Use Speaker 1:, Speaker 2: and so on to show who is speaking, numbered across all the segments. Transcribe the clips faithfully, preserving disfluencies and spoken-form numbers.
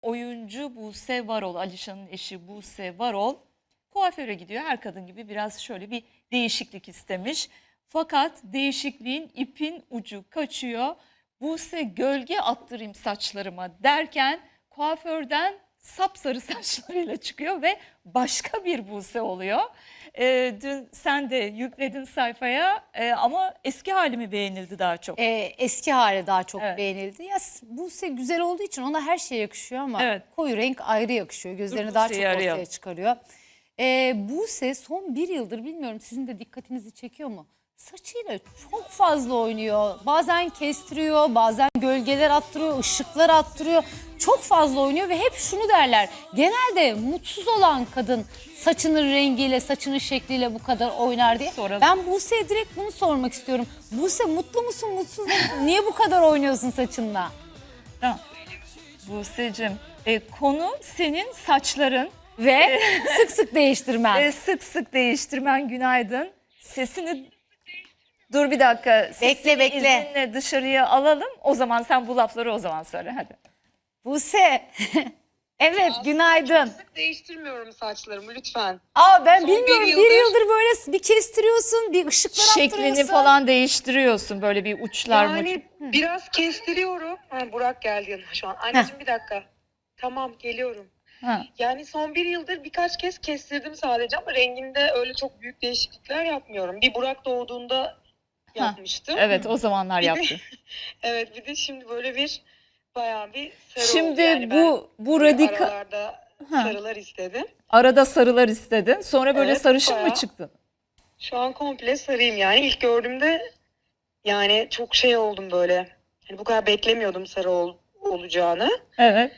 Speaker 1: oyuncu Buse Varol, Alişan'ın eşi Buse Varol kuaföre gidiyor. Her kadın gibi biraz şöyle bir değişiklik istemiş. Fakat değişikliğin ipin ucu kaçıyor. Buse gölge attırayım saçlarıma derken kuaförden sapsarı saçlarıyla çıkıyor ve başka bir Buse oluyor. Ee, dün sen de yükledin sayfaya e, ama eski halimi beğenildi daha çok.
Speaker 2: Ee, eski hali daha çok
Speaker 1: Evet.
Speaker 2: beğenildi. Ya Buse güzel olduğu için ona her şey yakışıyor ama
Speaker 1: Evet.
Speaker 2: koyu renk ayrı yakışıyor. Gözlerini
Speaker 1: Dur,
Speaker 2: daha
Speaker 1: Buse'yi
Speaker 2: çok ortaya
Speaker 1: arayalım.
Speaker 2: çıkarıyor. Ee, Buse son bir yıldır bilmiyorum sizin de dikkatinizi çekiyor mu? Saçıyla çok fazla oynuyor. Bazen kestiriyor, bazen gölgeler attırıyor, ışıklar attırıyor. Çok fazla oynuyor ve hep şunu derler. Genelde mutsuz olan kadın saçının rengiyle, saçının şekliyle bu kadar oynar diye.
Speaker 1: Soralım.
Speaker 2: Ben Buse'ye direkt bunu sormak istiyorum. Buse mutlu musun, mutsuz musun? Niye bu kadar oynuyorsun saçınla?
Speaker 1: Tamam. Buse'cim, e, konu senin saçların
Speaker 2: Ve sık sık değiştirmen.
Speaker 1: e, sık sık değiştirmen. Günaydın. Sesini dur bir dakika. Sesini
Speaker 2: Bekle, bekle.
Speaker 1: izninle dışarıya alalım. O zaman sen bu lafları o zaman söyle hadi.
Speaker 2: Buse. Evet, günaydın.
Speaker 3: Çok sık değiştirmiyorum saçlarımı lütfen.
Speaker 2: Aa ben
Speaker 3: Son
Speaker 2: bilmiyorum
Speaker 3: bir
Speaker 2: bir
Speaker 3: yıldır-
Speaker 2: yıldır böyle bir kestiriyorsun, bir ışıklar
Speaker 1: Şeklini
Speaker 2: attırıyorsun.
Speaker 1: falan değiştiriyorsun böyle bir uçlar mı?
Speaker 3: Yani biraz kestiriyorum. Ha, Burak geldi yanıma şu an. Anneciğim bir dakika. Tamam geliyorum.
Speaker 1: Ha.
Speaker 3: Yani son bir yıldır birkaç kez kestirdim sadece ama renginde öyle çok büyük değişiklikler yapmıyorum. Bir Burak doğduğunda yapmıştım.
Speaker 1: Evet, o zamanlar
Speaker 3: Bir de-
Speaker 1: yaptın.
Speaker 3: Evet bir de şimdi böyle bir bayağı bir sarı
Speaker 1: Şimdi
Speaker 3: oldu. Yani
Speaker 1: bu
Speaker 3: ben
Speaker 1: bu
Speaker 3: böyle
Speaker 1: radikal
Speaker 3: aralarda
Speaker 1: Ha.
Speaker 3: sarılar istedim.
Speaker 1: arada sarılar istedin. Sonra böyle
Speaker 3: Evet,
Speaker 1: sarışın mı
Speaker 3: bayağı.
Speaker 1: çıktın?
Speaker 3: Şu an komple sarıyım yani. İlk gördüğümde yani çok şey oldum böyle. Hani bu kadar beklemiyordum sarı ol, olacağını.
Speaker 1: Evet.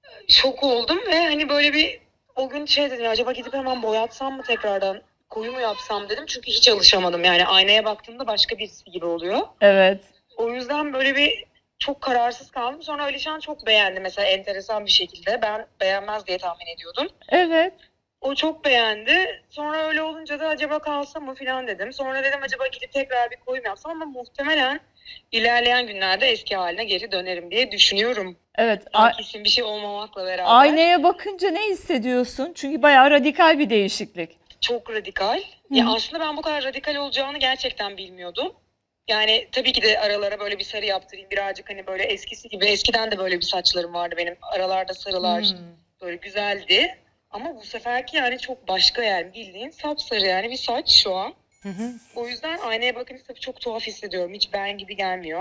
Speaker 3: Şok oldum ve hani böyle bir o gün şey dedim ya, acaba gidip hemen boyatsam mı tekrardan koyu mu yapsam dedim. Çünkü hiç alışamadım yani aynaya baktığımda başka birisi gibi oluyor.
Speaker 1: Evet.
Speaker 3: O yüzden böyle bir çok kararsız kaldım. Sonra Alişan çok beğendi mesela enteresan bir şekilde. Ben beğenmez diye tahmin ediyordum.
Speaker 1: Evet.
Speaker 3: O çok beğendi. Sonra öyle olunca da acaba kalsam mı falan dedim. Sonra dedim acaba gidip tekrar bir koyum yapsam ama muhtemelen ilerleyen günlerde eski haline geri dönerim diye düşünüyorum.
Speaker 1: Evet.
Speaker 3: Daha
Speaker 1: A-
Speaker 3: kesin bir şey olmamakla beraber.
Speaker 1: aynaya bakınca ne hissediyorsun? Çünkü bayağı radikal bir değişiklik.
Speaker 3: Çok radikal. Ya aslında ben bu kadar radikal olacağını gerçekten bilmiyordum. Yani tabii ki de aralara böyle bir sarı yaptırayım birazcık hani böyle eskisi gibi. Eskiden de böyle bir saçlarım vardı benim. Aralarda sarılar
Speaker 1: Hmm.
Speaker 3: böyle güzeldi. Ama bu seferki yani çok başka yani bildiğin sapsarı yani bir saç şu an.
Speaker 2: Hı hı.
Speaker 3: O yüzden aynaya bakınca tabii çok tuhaf hissediyorum. Hiç ben gibi gelmiyor.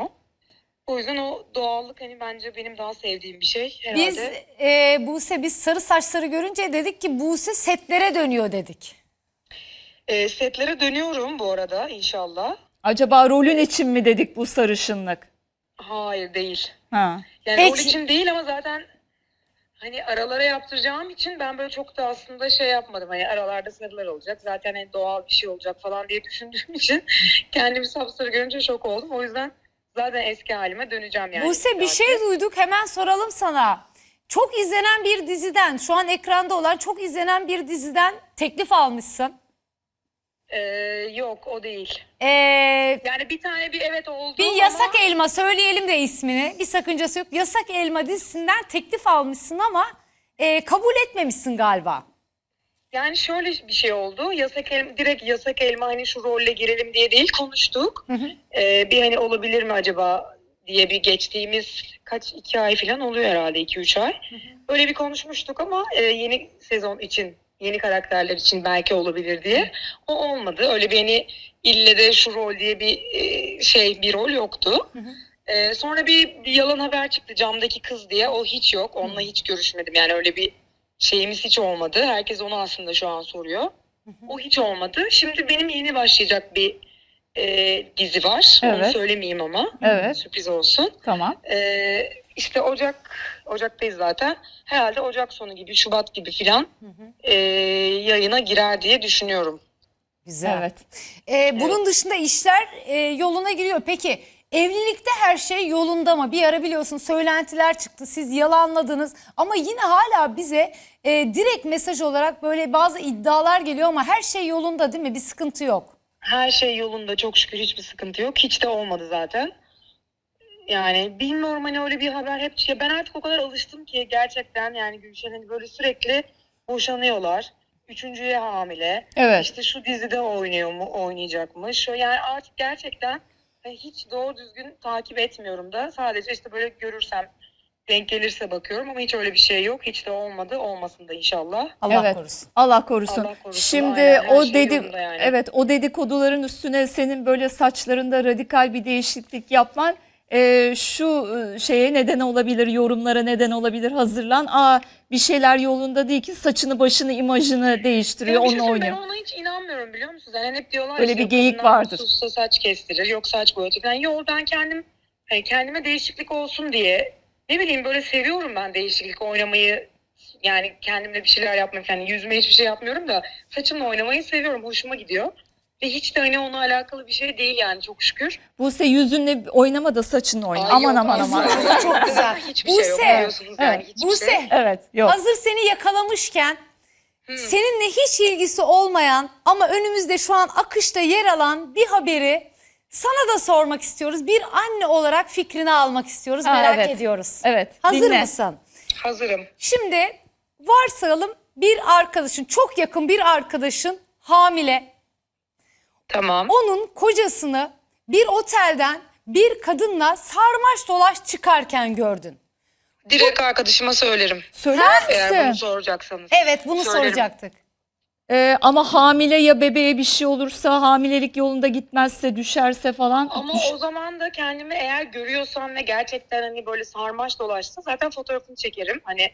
Speaker 3: O yüzden o doğallık hani bence benim daha sevdiğim bir şey herhalde.
Speaker 2: Biz e, Buse biz sarı saçları görünce dedik ki Buse setlere dönüyor dedik.
Speaker 3: Ee, setlere dönüyorum bu arada inşallah.
Speaker 1: Acaba rolün için mi dedik bu sarışınlık?
Speaker 3: Hayır değil.
Speaker 1: Ha.
Speaker 3: Yani
Speaker 2: Peki.
Speaker 3: rol için değil ama zaten hani aralara yaptıracağım için ben böyle çok da aslında şey yapmadım. Hani aralarda sarılar olacak. Zaten hani doğal bir şey olacak falan diye düşündüğüm için kendimi sapsarı görünce şok oldum. O yüzden zaten eski halime döneceğim yani.
Speaker 2: Buse bir şey duyduk hemen soralım sana. Çok izlenen bir diziden, şu an ekranda olan çok izlenen bir diziden teklif almışsın.
Speaker 3: Ee, yok o değil.
Speaker 2: Ee,
Speaker 3: Yani bir tane bir evet oldu
Speaker 2: bir
Speaker 3: ama
Speaker 2: Yasak Elma, söyleyelim de ismini, bir sakıncası yok. Yasak Elma dizisinden teklif almışsın ama e, kabul etmemişsin galiba.
Speaker 3: yani şöyle bir şey oldu. Yasak elma, direkt yasak elma hani şu rolle girelim diye değil konuştuk. Ee, bir hani olabilir mi acaba diye bir geçtiğimiz kaç iki ay falan oluyor herhalde iki üç ay. Öyle bir konuşmuştuk ama e, yeni sezon için yeni karakterler için belki olabilir diye. O olmadı. Öyle bir hani ille de şu rol diye bir e, şey bir rol yoktu. Ee, sonra bir, bir yalan haber çıktı camdaki kız diye. O hiç yok. Onunla hiç görüşmedim. Yani öyle bir şeyimiz hiç olmadı. Herkes onu aslında şu an soruyor. O hiç olmadı. Şimdi benim yeni başlayacak bir e, dizi var. Onu
Speaker 1: Evet.
Speaker 3: söylemeyeyim ama.
Speaker 1: Evet.
Speaker 3: Sürpriz olsun.
Speaker 1: Tamam.
Speaker 3: Ee, işte Ocak, Ocak'tayız zaten. Herhalde Ocak sonu gibi, Şubat gibi filan e, yayına girer diye düşünüyorum.
Speaker 2: Güzel.
Speaker 1: Evet.
Speaker 2: Ee, bunun dışında işler e, yoluna giriyor. Peki evlilikte her şey yolunda mı? Bir ara biliyorsun söylentiler çıktı. Siz yalanladınız ama yine hala bize e, direkt mesaj olarak böyle bazı iddialar geliyor ama her şey yolunda değil mi? Bir sıkıntı yok.
Speaker 3: Her şey yolunda çok şükür hiçbir sıkıntı yok. Hiç de olmadı zaten. Yani bilmiyorum hani öyle bir haber hep ya ben artık o kadar alıştım ki gerçekten yani Gülşen hani böyle sürekli boşanıyorlar. Üçüncüye hamile.
Speaker 1: Evet.
Speaker 3: İşte şu dizide oynuyor mu, oynayacakmış. Şu- Yani artık gerçekten hani hiç doğru düzgün takip etmiyorum da. Sadece işte böyle görürsem denk gelirse bakıyorum ama hiç öyle bir şey yok. Hiç de olmadı. Olmasın da inşallah.
Speaker 2: Allah
Speaker 1: Evet.
Speaker 2: korusun.
Speaker 1: Allah korusun.
Speaker 3: Allah korusun,
Speaker 1: Şimdi
Speaker 3: aynen, her
Speaker 1: o
Speaker 3: şey
Speaker 1: dedi
Speaker 3: yolunda yani.
Speaker 1: evet o dedikoduların üstüne senin böyle saçlarında radikal bir değişiklik yapman e, şu e, şeye neden olabilir, yorumlara neden olabilir. Hazırlan. Aa bir şeyler yolunda değil ki saçını, başını, imajını değiştiriyor,
Speaker 3: Ya bir şey
Speaker 1: onunla
Speaker 3: söyleyeyim,
Speaker 1: oynuyor.
Speaker 3: ben ona hiç inanmıyorum biliyor musunuz? Yani hep diyorlar
Speaker 1: Öyle
Speaker 3: işte,
Speaker 1: bir geyik
Speaker 3: kadınlar
Speaker 1: vardır.
Speaker 3: mutsuzsa saç kestirir, yok saç boyatır. Yani yok ben kendim hani kendime değişiklik olsun diye ne bileyim böyle seviyorum ben değişiklik oynamayı. Yani kendimle bir şeyler yapmayı, yani yüzüme hiçbir şey yapmıyorum da saçımla oynamayı seviyorum, hoşuma gidiyor. Ve hiç de hani onunla alakalı bir şey değil yani çok şükür.
Speaker 1: Buse yüzünle oynama da saçınla oyna.
Speaker 3: Ay
Speaker 1: aman
Speaker 3: yok,
Speaker 1: aman aman.
Speaker 3: aslında
Speaker 2: Çok güzel.
Speaker 3: Hiçbir şey yok
Speaker 2: Buse,
Speaker 3: biliyorsunuz yani
Speaker 1: evet.
Speaker 3: hiçbir
Speaker 2: Buse,
Speaker 3: şey.
Speaker 1: Evet, yok.
Speaker 2: hazır seni yakalamışken seninle hiç ilgisi olmayan ama önümüzde şu an akışta yer alan bir haberi sana da sormak istiyoruz. Bir anne olarak fikrini almak istiyoruz.
Speaker 1: Ha,
Speaker 2: Merak
Speaker 1: evet.
Speaker 2: ediyoruz.
Speaker 1: Evet,
Speaker 2: Hazır
Speaker 1: dinle.
Speaker 2: mısın?
Speaker 3: Hazırım.
Speaker 2: Şimdi varsayalım bir arkadaşın, çok yakın bir arkadaşın hamile.
Speaker 3: Tamam.
Speaker 2: Onun kocasını bir otelden bir kadınla sarmaş dolaş çıkarken gördün.
Speaker 3: Direkt arkadaşıma söylerim.
Speaker 1: Söyler
Speaker 3: Eğer bunu
Speaker 1: misin?
Speaker 3: soracaksanız.
Speaker 2: Evet, bunu
Speaker 3: Söylerim.
Speaker 2: soracaktık.
Speaker 1: Ee, ama hamile ya bebeğe bir şey olursa, hamilelik yolunda gitmezse, düşerse falan.
Speaker 3: Ama
Speaker 1: düş-
Speaker 3: o zaman da kendimi eğer görüyorsam ve gerçekten hani böyle sarmaş dolaşsa zaten fotoğrafını çekerim. Hani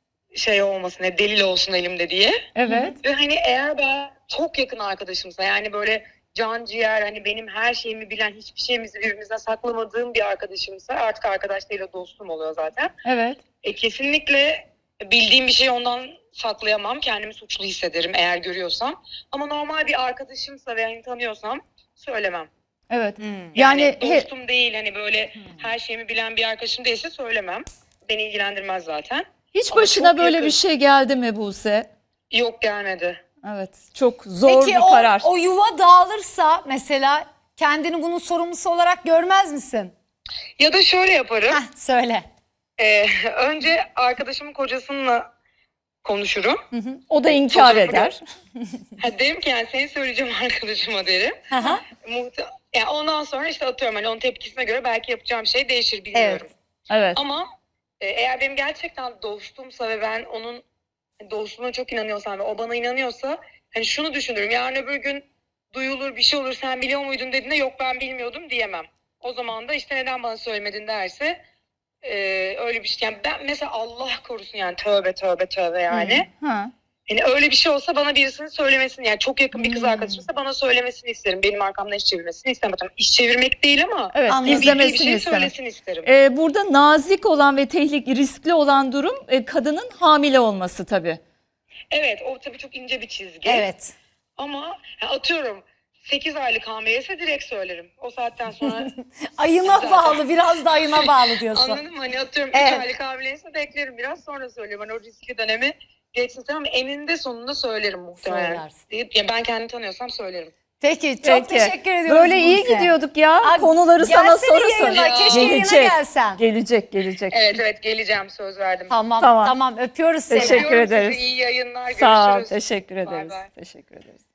Speaker 3: şey olmasın, hani delil olsun elimde diye.
Speaker 1: Evet.
Speaker 3: Ve hani eğer ben çok yakın arkadaşımsa yani böyle can ciğer hani benim her şeyimi bilen, hiçbir şeyimizi birbirimizden saklamadığım bir arkadaşımsa, artık arkadaş değil o dostum oluyor zaten.
Speaker 1: Evet.
Speaker 3: E, kesinlikle bildiğim bir şeyi ondan saklayamam. Kendimi suçlu hissederim eğer görüyorsam. Ama normal bir arkadaşımsa ve hani tanıyorsam söylemem.
Speaker 1: Evet.
Speaker 2: Hmm.
Speaker 1: Yani,
Speaker 3: Yani,
Speaker 1: he-
Speaker 3: dostum değil hani böyle her şeyimi bilen bir arkadaşım değilse söylemem. Beni ilgilendirmez zaten.
Speaker 1: hiç
Speaker 3: Ama
Speaker 1: başına
Speaker 3: çok
Speaker 1: böyle
Speaker 3: yakın.
Speaker 1: bir şey geldi mi Buse?
Speaker 3: Yok gelmedi.
Speaker 1: Evet. Çok zor
Speaker 2: Peki
Speaker 1: bir
Speaker 2: o,
Speaker 1: karar.
Speaker 2: o yuva dağılırsa mesela kendini bunun sorumlusu olarak görmez misin?
Speaker 3: Ya da şöyle yaparım.
Speaker 2: Heh, söyle.
Speaker 3: Ee, önce arkadaşımın kocasıyla konuşurum.
Speaker 1: O da inkar
Speaker 3: Fotoğrafı
Speaker 1: eder.
Speaker 3: Ha, derim ki yani seni söyleyeceğim arkadaşıma derim.
Speaker 2: Hı hı.
Speaker 3: Muhte- yani ondan sonra işte atıyorum hani onun tepkisine göre belki yapacağım şey değişir bilmiyorum.
Speaker 2: Evet.
Speaker 1: Evet.
Speaker 3: Ama e, eğer benim gerçekten dostumsa ve ben onun dostluğuna çok inanıyorsam ve o bana inanıyorsa hani şunu düşünürüm. Yarın öbür gün duyulur bir şey olur sen biliyor muydun dediğinde yok ben bilmiyordum diyemem. O zaman da işte neden bana söylemedin derse e, öyle bir şey. Yani ben mesela Allah korusun yani tövbe tövbe tövbe yani.
Speaker 1: Ha.
Speaker 3: Yani öyle bir şey olsa bana birisinin söylemesini yani çok yakın bir kız
Speaker 2: Hmm.
Speaker 3: arkadaşımsa bana söylemesini isterim. Benim arkamdan iş çevirmesini istemem. Tamam, İş çevirmek değil ama
Speaker 1: Evet.
Speaker 2: Anladım.
Speaker 3: bildiği bir
Speaker 1: İzlemesini
Speaker 3: şey
Speaker 1: istemem.
Speaker 3: söylesin isterim.
Speaker 1: Ee, burada nazik olan ve tehlikeli, riskli olan durum e, kadının hamile olması tabii.
Speaker 3: Evet o tabii çok ince bir çizgi.
Speaker 2: Evet.
Speaker 3: Ama ya atıyorum sekiz aylık hamileyse direkt söylerim. O saatten sonra
Speaker 2: Ayına
Speaker 3: Zaten.
Speaker 2: bağlı, biraz da ayına bağlı diyorsun.
Speaker 3: anladın mı? Hani atıyorum
Speaker 2: Evet.
Speaker 3: üç aylık hamileyse beklerim biraz sonra söylüyorum. Hani o riskli dönemi geçsin ama eninde sonunda söylerim muhtemelen.
Speaker 2: Söylersin.
Speaker 3: Deyip, ya ben kendimi tanıyorsam söylerim.
Speaker 2: Peki, çok
Speaker 1: Peki.
Speaker 2: teşekkür ediyoruz
Speaker 1: Böyle iyi
Speaker 2: Buse.
Speaker 1: gidiyorduk ya.
Speaker 2: Aa,
Speaker 1: Konuları sana
Speaker 2: gelsene
Speaker 1: soru sor.
Speaker 2: yayına,
Speaker 3: Ya.
Speaker 2: keşke yayına
Speaker 1: Gelecek.
Speaker 2: gelsen.
Speaker 1: Gelecek, gelecek.
Speaker 3: Evet evet geleceğim söz verdim.
Speaker 2: Tamam,
Speaker 1: Tamam.
Speaker 2: tamam, öpüyoruz seni.
Speaker 1: Teşekkür
Speaker 3: Öpüyorum sizi,
Speaker 1: ederiz.
Speaker 3: İyi yayınlar.
Speaker 1: Sağ ol.
Speaker 3: Görüşürüz.
Speaker 1: Teşekkür
Speaker 3: Bay
Speaker 1: ederiz.
Speaker 3: bay.
Speaker 1: Teşekkür ederiz.